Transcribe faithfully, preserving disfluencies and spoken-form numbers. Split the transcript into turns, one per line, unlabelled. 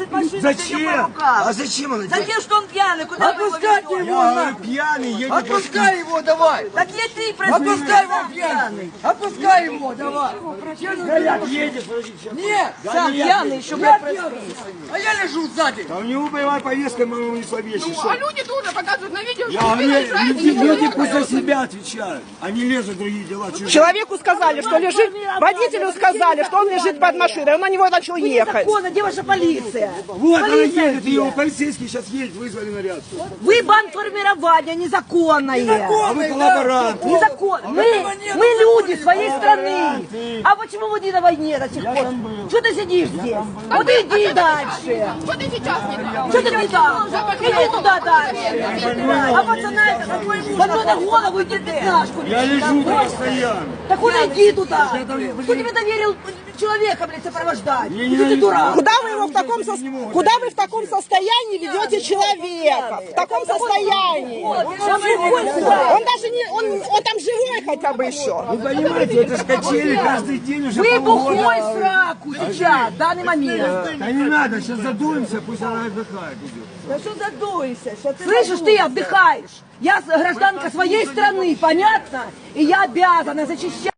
держит машину
Зачем?
по рукам.
А зачем он?
Затем, что он пьяный, куда вы его
Отпускайте
ведете?
его,
Я
нахуй.
пьяный, едет.
Отпускай его, давай.
Так не ты, прости.
Отпускай его, пьяный. Отпускай его, давай.
Горят, едет, подожди, сейчас.
Нет,
Сам
я-
пьяный, еще,
я
блядь,
пьяный. А я лежу сзади.
Да у него боевая повестка, мы ему не слабейший.
Ну, а люди тоже показывают на видео,
Я
что
говорю,
вы наезжаете,
люди,
никто
люди
не
пусть за
делает.
себя отвечают. Они лезут в другие дела. чужие.
Человеку сказали, что лежит, водителю сказали, что он лежит под машиной, он на него начал ехать.
Незаконно, где ваша полиция?
Вот она
Полиция
едет,
где?
его полицейский сейчас едет, вызвали наряд.
Вы бандформирование незаконное.
А вы коллаборант.
Незаконно. Мы, мы люди своей страны. А почему вы не на войне до сих пор? Что ты сидишь здесь? Вот иди дальше.
Вот и сейчас не так.
Что ты не там? Иди туда дальше. А пацана это какой муж? Вот на голову иди пятнашку.
Я лежу постоянно.
Так он иди туда. Кто тебе доверил человека, блядь, сопровождать?
Я
Что ты дурак?
Куда вы его в таком, со- куда вы в таком состоянии ведете человека? В таком состоянии. Он даже не, он, он там живой хотя бы еще.
Вы понимаете, это ж качели каждый день уже
Вы
полгода.
бухой в сраку сейчас, в данный момент.
Да не надо, сейчас задуемся, пусть она отдыхает идет.
Да что задуйся? Слышишь, ты отдыхаешь. Я гражданка своей страны, понятно? И я обязана защищать.